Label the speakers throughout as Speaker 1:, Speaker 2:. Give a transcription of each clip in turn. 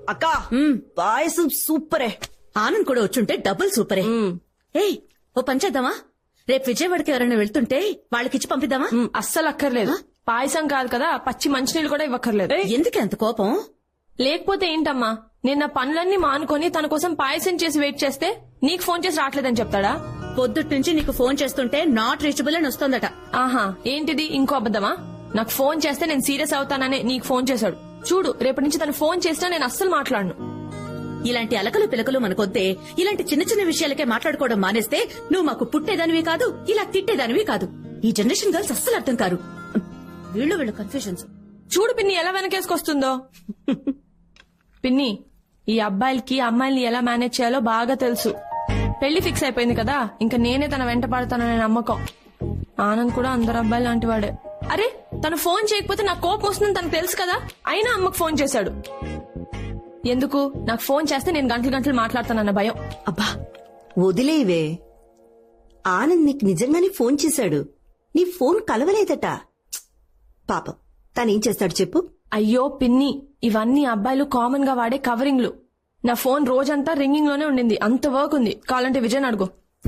Speaker 1: అక్క పాయసం సూపరే.
Speaker 2: ఆనంద్ కూడా వచ్చుంటే డబుల్ సూపరే. ఏయ్ ఓ పని చేద్దామా, రేపు విజయవాడకి ఎవరైనా వెళ్తుంటే వాళ్ళకిచ్చి పంపిద్దామా?
Speaker 3: అస్సలు అక్కర్లేదు. పాయసం కాదు కదా, పచ్చి మంచినీళ్ళు కూడా ఇవ్వక్కర్లేదు.
Speaker 2: ఎందుకు అంత కోపం?
Speaker 3: లేకపోతే ఏంటమ్మా, నిన్న పనులన్నీ మానుకొని తన కోసం పాయసం చేసి వెయిట్ చేస్తే నీకు ఫోన్ చేసి రావట్లేదని చెప్తాడా?
Speaker 2: పొద్దుటి నుంచి నీకు ఫోన్ చేస్తుంటే నాట్ రీచబుల్ అని వస్తోందట.
Speaker 3: ఆహా, ఏంటిది ఇంకో అబద్దమా? నాకు ఫోన్ చేస్తే నేను సీరియస్ అవుతాననే నీకు ఫోన్ చేశాడు. చూడు, రేపటి నుంచి తను ఫోన్ చేసినా నేను అస్సలు మాట్లాడను.
Speaker 2: ఇలాంటి అలకలు పిలకలు మనకొద్దే. ఇలాంటి చిన్న చిన్న విషయాలకే మాట్లాడుకోవడం మానేస్తే నువ్వు మాకు పుట్టేదానివి కాదు, ఇలా తిట్టేదానివి కాదు. ఈ జనరేషన్ గర్ల్స్ అస్సలు అర్థం కారు. వీళ్ళు కన్ఫ్యూజన్స్.
Speaker 3: చూడు పిన్ని ఎలా వెనకేసుకొస్తుందో. పిన్ని, ఈ అబ్బాయిలకి అమ్మాయిల్ని ఎలా మేనేజ్ చేయాలో బాగా తెలుసు. పెళ్లి ఫిక్స్ అయిపోయింది కదా, ఇంకా నేనే తన వెంట పడతాననే నమ్మకం. ఆనంద్ కూడా అందరు అబ్బాయి లాంటి వాడే. అరే, తను ఫోన్ చేయకపోతే నాకు కోపం వస్తుందని తనకు తెలుసు కదా, అయినా అమ్మకు ఫోన్ చేశాడు. ఎందుకు? నాకు ఫోన్ చేస్తే నేను గంటలు గంటలు మాట్లాడతానన్న భయం.
Speaker 1: అబ్బా వదిలేవే. ఆనంద్ నీకు నిజంగానే ఫోన్ చేశాడు. నీ ఫోన్ కలవలేదట. పాపం తనేం చేస్తాడు చెప్పు.
Speaker 3: అయ్యో పిన్ని, ఇవన్నీ అబ్బాయిలు కామన్ గా వాడే కవరింగ్లు. నా ఫోన్ రోజంతా రింగింగ్ లోనే ఉండింది. అంత వర్క్ ఉంది. కావాలంటే విజయ్ అడుగు.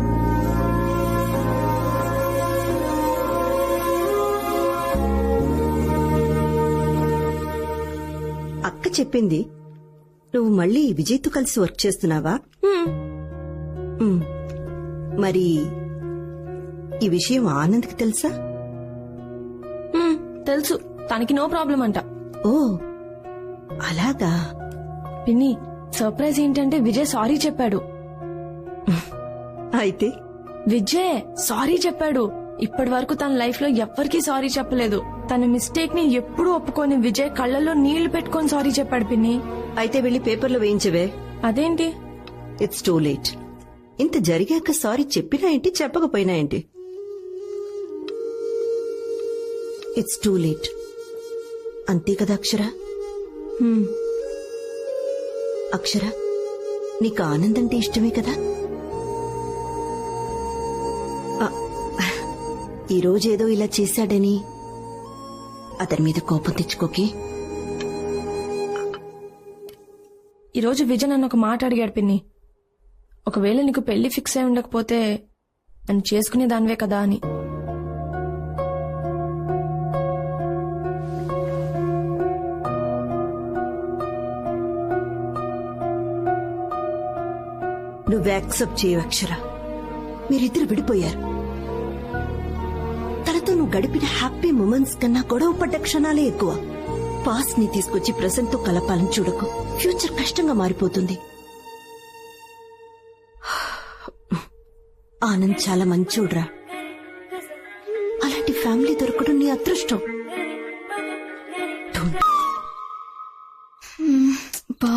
Speaker 1: అక్క చెప్పింది నువ్వు మళ్ళీ విజయ్తో కలిసి వర్క్ చేస్తున్నావా? మరి ఈ విషయం ఆనంద్కి తెలుసా?
Speaker 3: తెలుసు, తనకి నో ప్రాబ్లం అంట.
Speaker 1: ఓ అలాగా.
Speaker 3: పిన్ని, సర్ప్రైజ్ ఏంటంటే విజయ్ సారీ చెప్పాడు.
Speaker 1: అయితే
Speaker 3: విజయ్ సారీ చెప్పాడు. ఇప్పటి వరకు తన లైఫ్ లో ఎవ్వరికీ సారీ చెప్పలేదు. తన మిస్టేక్ ని ఎప్పుడూ ఒప్పుకొని విజయ్ కళ్ళల్లో నీళ్లు పెట్టుకొని సారీ చెప్పాడు పిన్ని.
Speaker 1: అయితే వెళ్లి పేపర్లో వేయించవే.
Speaker 3: అదేంటి?
Speaker 1: It's too late. ఇంత జరిగాక సారీ చెప్పినా ఏంటి, చెప్పకపోయినా ఏంటి? It's too late. అంతే కదా అక్షర? అక్షర, నీకు ఆనంద్ అంటే ఇష్టమే కదా? ఈరోజేదో ఇలా చేశాడని అతని మీద కోపం తెచ్చుకోకే.
Speaker 3: ఈరోజు విజయ్ నన్ను ఒక మాట అడిగాడు పిన్ని. ఒకవేళ నీకు పెళ్లి ఫిక్స్ అయి ఉండకపోతే నన్ను చేసుకునే దానివే కదా అని.
Speaker 1: నువ్వు యాక్సెప్ట్ చేయవు అక్షర. మీరిద్దరు విడిపోయారు. తనతో నువ్వు గడిపిన హ్యాపీ మూమెంట్స్ కన్నా గొడవ పడ్డ క్షణాలే ఎక్కువ. పాస్ట్ ని తీసుకొచ్చి ప్రెసెంట్ తో కలపాలని చూడకు. ఫ్యూచర్ కష్టంగా మారిపోతుంది. ఆనంద్ చాలా మంచోడ్రా. అలాంటి ఫ్యామిలీ దొరకడం నీ అదృష్టం.
Speaker 4: బా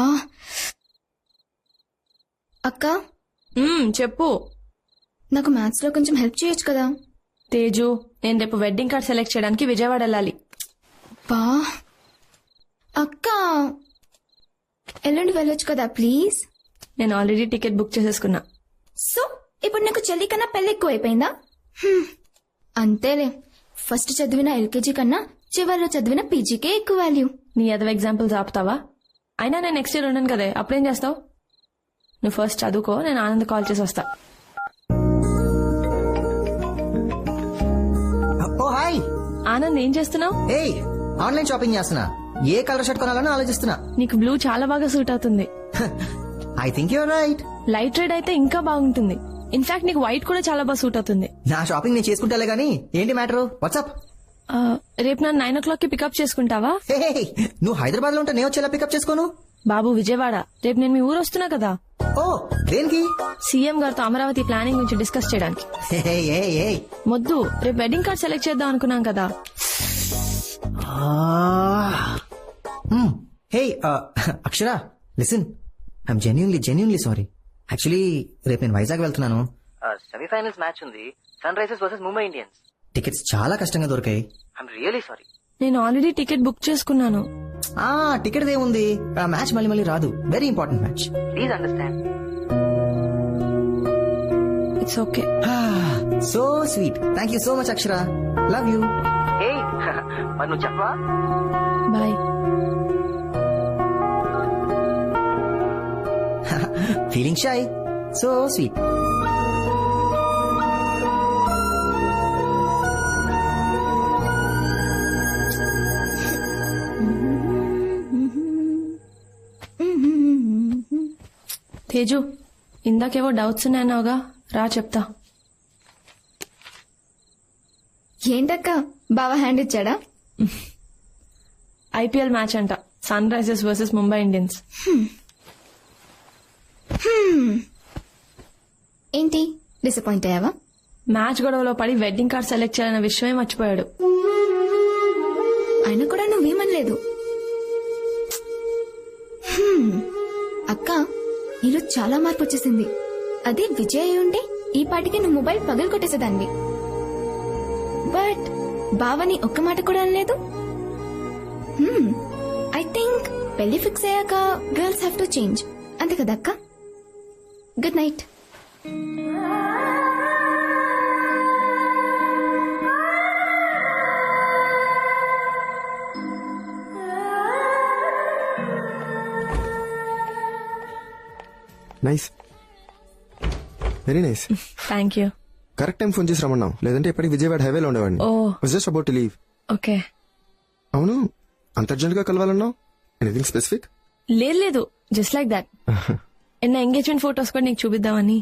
Speaker 4: అక్క,
Speaker 3: చెప్పు.
Speaker 4: నాకు మ్యాథ్స్ లో కొంచెం హెల్ప్ చేయొచ్చు కదా?
Speaker 3: తేజు, నేను రేపు వెడ్డింగ్ కార్డ్ సెలెక్ట్ చేయడానికి విజయవాడ వెళ్ళాలి.
Speaker 4: బా అక్క, ఎల్లుండి వెళ్ళొచ్చు కదా ప్లీజ్?
Speaker 3: నేను ఆల్రెడీ టికెట్ బుక్ చేసేసుకున్నా.
Speaker 4: సో ఇప్పుడు నీకు చెల్లి కన్నా పెళ్లి ఎక్కువ అయిపోయిందా? అంతేలే, ఫస్ట్ చదివిన ఎల్కేజీ కన్నా చివరిలో చదివిన పీజీకే ఎక్కువ వాల్యూ.
Speaker 3: నీ అదవ ఎగ్జాంపుల్స్ ఆపుతావా? అయినా నేను నెక్స్ట్ ఇయర్ ఉన్నాను కదే, అప్పుడేం చేస్తావు? నువ్వు ఫస్ట్ చదువుకో, నేను ఆనంద్ కాల్ చేసి వస్తా.
Speaker 5: ఓ హాయ్
Speaker 3: ఆనంద్, ఏం చేస్తున్నావు?
Speaker 5: ఏయ్, ఆన్లైన్ షాపింగ్ చేస్తున్నా. ఏ కలర్ షర్ట్ కొనాలని ఆలోచిస్తున్నా.
Speaker 3: నీకు బ్లూ చాలా బాగా సూట్ అవుతుంది.
Speaker 5: I think you're right.
Speaker 3: Light red అయితే ఇంకా బాగుంటుంది. ఇన్ఫాక్ట్ నీకు వైట్ కూడా చాలా బాగా సూట్ అవుతుంది.
Speaker 5: నా షాపింగ్ నేను చేసుకుంటాలే గానీ ఏంటి మ్యాటర్? వాట్సాప్.
Speaker 3: రేపు నన్ను 9 o'clock కి పికప్ చేసుకుంటావా?
Speaker 5: నువ్వు హైదరాబాద్ లో ఉంటే నేను వచ్చేలా పికప్ చేసుకోను.
Speaker 3: బాబు విజయవాడ, రేపు నేను మీ ఊరు వస్తున్నా కదా.
Speaker 5: ఓ దేనికి?
Speaker 3: సీఎం గారితో అమరావతి ప్లానింగ్ గురించి డిస్కస్ చేయడానికి. మొద్దు, రేపు వెడ్డింగ్ కార్డ్ సెలెక్ట్ చేద్దాం అనుకున్నాం కదా.
Speaker 5: Hey Akshara, listen, I'm genuinely sorry. Actually రేపు నేను వైజాగ్ వెళ్తున్నాను. సెమీఫైనల్స్ మ్యాచ్ ఉంది, Sunrisers versus Mumbai Indians. Tickets చాలా కష్టంగా దొరికాయి. I'm really sorry.
Speaker 3: నేను ఆల్రెడీ టికెట్ బుక్ చేసుకున్నాను.
Speaker 5: టికెట్ ఏముంది, ఆ మ్యాచ్ మళ్ళీ రాదు. Very important match. Please understand.
Speaker 3: It's okay.
Speaker 5: So sweet. Thank you so much Akshara. Love you. మరి నువ్వు చెప్పవా?
Speaker 3: Bye.
Speaker 5: Feeling shy, so sweet.
Speaker 3: Teju, ఇందాకేవో డౌట్స్ ఉన్నాయన్నావుగా, రా చెప్తా.
Speaker 4: ఏంటక్క బావ హ్యాండ్ ఇచ్చాడా?
Speaker 3: ఐపీఎల్ మ్యాచ్ అంట, Sunrisers versus Mumbai Indians.
Speaker 4: ఏంటి డిసప్పాయింట్ అయ్యావా?
Speaker 3: మ్యాచ్ గొడవలో పడి వెడ్డింగ్ కార్డ్ సెలెక్ట్ చేయాలన్న విషయమే మర్చిపోయాడు.
Speaker 4: అయినా కూడా నువ్వేమనలేదు. అక్క, నీలో చాలా మార్పు వచ్చేసింది. అదే విజయ్ అయి ఉంటే ఈ పాటికి నువ్వు మొబైల్ పగలు కొట్టేసేదాన్ని. బట్ బావని ఒక్క మాట కూడా అనలేదు. ఐ థింక్ పెళ్లి ఫిక్స్ అయ్యాక గర్ల్స్ హ్యావ్ టు చేంజ్, అంతే కదా అక్క? Good night.
Speaker 6: Nice, very nice.
Speaker 3: Thank you.
Speaker 6: Correct time phone చేసి రమ్మన్నావు, లేదంటే ఎప్పటికి విజయవాడ హైవేలో ఉండేవాడిని. Just about to leave.
Speaker 3: Okay.
Speaker 6: అవును, అంత అర్జెంట్ గా కలవాలన్నావు? Anything specific?
Speaker 3: లేదు, జస్ట్ లైక్ దాట్. నా ఎంగేజ్మెంట్ ఫొటోస్ కూడా నీకు చూపిద్దామని.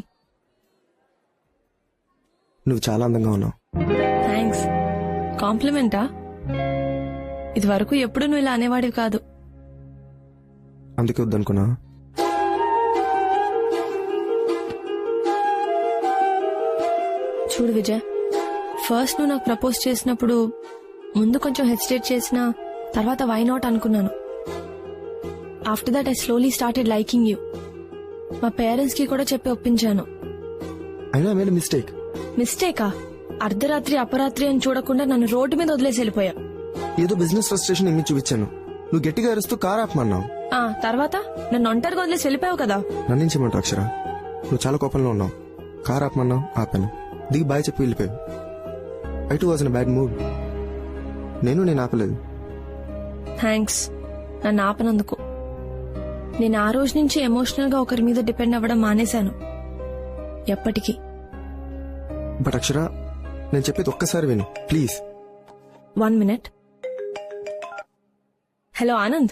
Speaker 6: నువ్వు చాలా అందంగా ఉన్నావు.
Speaker 3: థ్యాంక్స్. కాంప్లిమెంటా? ఇది వరకు ఎప్పుడు నువ్వు ఇలా అనేవాడివి కాదు.
Speaker 6: అందుకే వద్దనుకున్నా.
Speaker 3: చూడు విజయ్, ఫస్ట్ నువ్వు నాకు ప్రపోజ్ చేసినప్పుడు ముందు కొంచెం హెసిటేట్ చేసిన తర్వాత వై నాట్ అనుకున్నాను. After that I slowly started liking you. మా పేరెంట్స్ కి కూడా చెప్పి ఒప్పించాను.
Speaker 6: అయినా ఐ మేడ్ ఎ మిస్టేక్.
Speaker 3: మిస్టేకా? అర్ధరాత్రి అపరాత్రి అని చూడకుండా నన్ను రోడ్డు మీద వదిలేసి వెళ్ళిపోయా.
Speaker 6: ఏదో బిజినెస్ ఫ్రస్ట్రేషన్ ఇమ్మి చూపించాను. నువ్వు గట్టిగా అరుస్తూ కార్ ఆపమన్నావు.
Speaker 3: తర్వాత నన్ను ఒంటరిగా వదిలేసి వెళ్ళిపోయావు కదా.
Speaker 6: నన్నించమంటావు అక్షర? నువ్వు చాలా కోపంలో ఉన్నావు. కార్ ఆపమన్నావు, ఆపాను. దిగి బాయ్ చెప్పి వెళ్ళిపోయావు. I too was in bad mood. నేను ఆపలేదు.
Speaker 3: థ్యాంక్స్ నన్ను ఆపనందుకు. నేను ఆ రోజు నుంచి ఎమోషనల్ గా ఒకరి మీద డిపెండ్ అవ్వడం మానేశాను. ఎప్పటికీ.
Speaker 6: బట్ అక్షర, నేను చెప్పేది ఒక్కసారి విను ప్లీజ్.
Speaker 3: 1 minute. హలో ఆనంద్.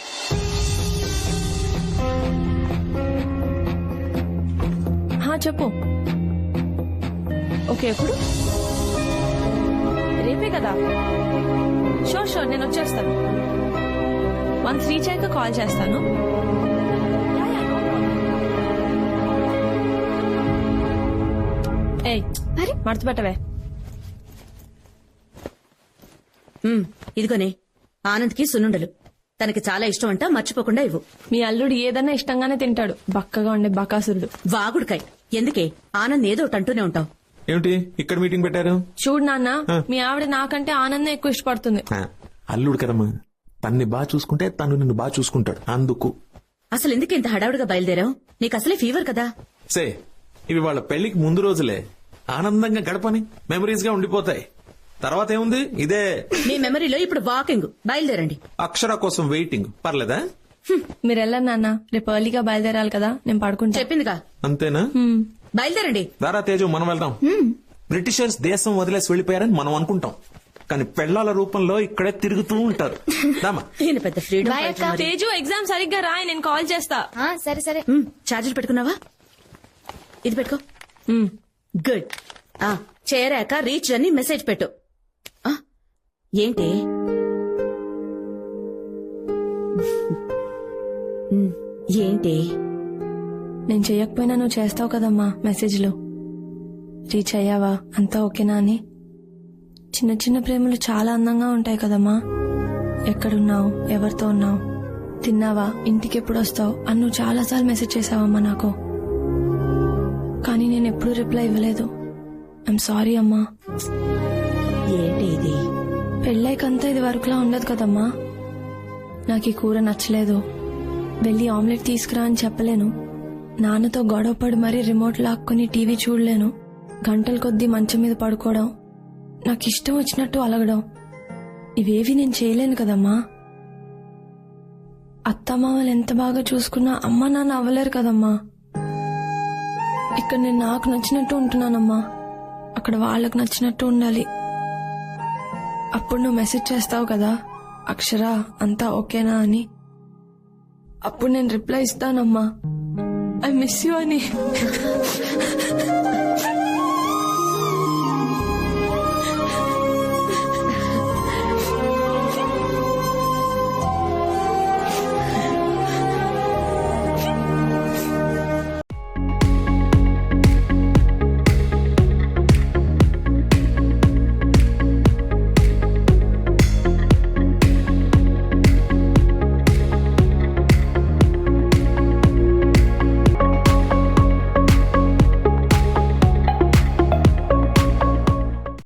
Speaker 3: చెప్పు. ఓకే, ఎప్పుడు? రేపే కదా? షూర్ నేను వచ్చేస్తాను. వన్స్ రీచ్ అయ్యాక కాల్ చేస్తాను. ఏయ్, మడత పెట్టవే.
Speaker 2: ఇదిగోనే ఆనంద్కి సున్నుండలు. తనకి చాలా ఇష్టం అంట, మర్చిపోకుండా ఇవ్వు.
Speaker 3: మీ అల్లుడు ఏదన్నా ఇష్టంగానే తింటాడు, బక్కగా ఉండే బకాసురుడు.
Speaker 2: వాగుడుకాయ్. ఎందుకే ఆనంద్ ఏదో ఒకటి అంటూనే ఉంటావు.
Speaker 7: ఏమిటి ఇక్కడ మీటింగ్ పెట్టారు?
Speaker 3: చూడు నాన్న, మీ ఆవిడ నాకంటే ఆనందం ఎక్కువ ఇష్టపడుతుంది.
Speaker 7: అల్లుడు కదమ్మా, తన్ని బాగా చూసుకుంటే తను నిన్ను బాగా చూసుకుంటాడు. అందుకు
Speaker 2: అసలు ఎందుకు ఇంత హడావుడిగా బయలుదేరావు? నీకు అసలే ఫీవర్ కదా.
Speaker 7: సే, ఇవి వాళ్ళ పెళ్లికి ముందు రోజులే. ఆనందంగా గడపని మెమరీస్ గా ఉండిపోతాయి. తర్వాత ఏముంది, ఇదే
Speaker 2: మీ మెమరీలో ఇప్పుడు వాకింగ్. బయలుదేరండి.
Speaker 7: అక్షర కోసం వెయిటింగ్. పర్లేదా?
Speaker 3: మీరు వెళ్ళండి నాన్న, రేపు ఎర్లీగా బయలుదేరాలి కదా, నేను పడుకుంటా.
Speaker 2: చెప్పిందిగా.
Speaker 7: అంతేనా?
Speaker 2: బయలుదేరండి.
Speaker 7: దారా తేజు, మనం వెళ్దాం. బ్రిటిషర్స్ దేశం వదిలేసి వెళ్లిపోయారని మనం అనుకుంటాం, కానీ పెళ్లాల రూపంలో ఇక్కడే తిరుగుతూ ఉంటారు.
Speaker 2: ఈయన పెద్ద ఫ్రీడమ్.
Speaker 3: తేజు, ఎగ్జామ్ సరిగ్గా రాయి, నేను కాల్ చేస్తా.
Speaker 4: సరే సరే.
Speaker 2: ఛార్జర్ పెట్టుకున్నావా? ఇది పెట్టుకో. గుడ్. చేరాక రీచ్ అని మెసేజ్ పెట్టు. ఏంటి ఏంటి
Speaker 3: నేను చెయ్యకపోయినా నువ్వు చేస్తావు కదమ్మా మెసేజ్లు. రీచ్ అయ్యావా, అంతా ఓకేనా అని. చిన్న చిన్న ప్రేమలు చాలా అందంగా ఉంటాయి కదమ్మా. ఎక్కడున్నావు, ఎవరితో ఉన్నావు, తిన్నావా, ఇంటికి ఎప్పుడు వస్తావు అని నువ్వు చాలాసార్లు మెసేజ్ చేసావమ్మా నాకు. కానీ నేను ఎప్పుడూ రిప్లై ఇవ్వలేదు. ఐఎమ్ సారీ అమ్మా.
Speaker 2: ఏంటి ఇది?
Speaker 3: పెళ్ళైకంతా ఇది వరకులా ఉండదు కదమ్మా. నాకు ఈ కూర నచ్చలేదు, వెళ్ళి ఆమ్లెట్ తీసుకురా అని చెప్పలేను. నాన్నతో గొడవపడి మరీ రిమోట్ లాక్కుని టీవీ చూడలేను. గంటల కొద్దీ మంచం మీద పడుకోవడం, నాకు ఇష్టం వచ్చినట్టు అలగడం, ఇవేవి నేను చేయలేను కదమ్మా. అత్తమామలు ఎంత బాగా చూసుకున్నా అమ్మ నాన్న అవ్వలేరు కదమ్మా. ఇక్కడ నేను నాకు నచ్చినట్టు ఉంటున్నానమ్మా, అక్కడ వాళ్ళకు నచ్చినట్టు ఉండాలి. అప్పుడు నువ్వు మెసేజ్ చేస్తావు కదా, అక్షర అంతా ఓకేనా అని. అప్పుడు నేను రిప్లై ఇస్తానమ్మా, ఐ మిస్ యూ అని.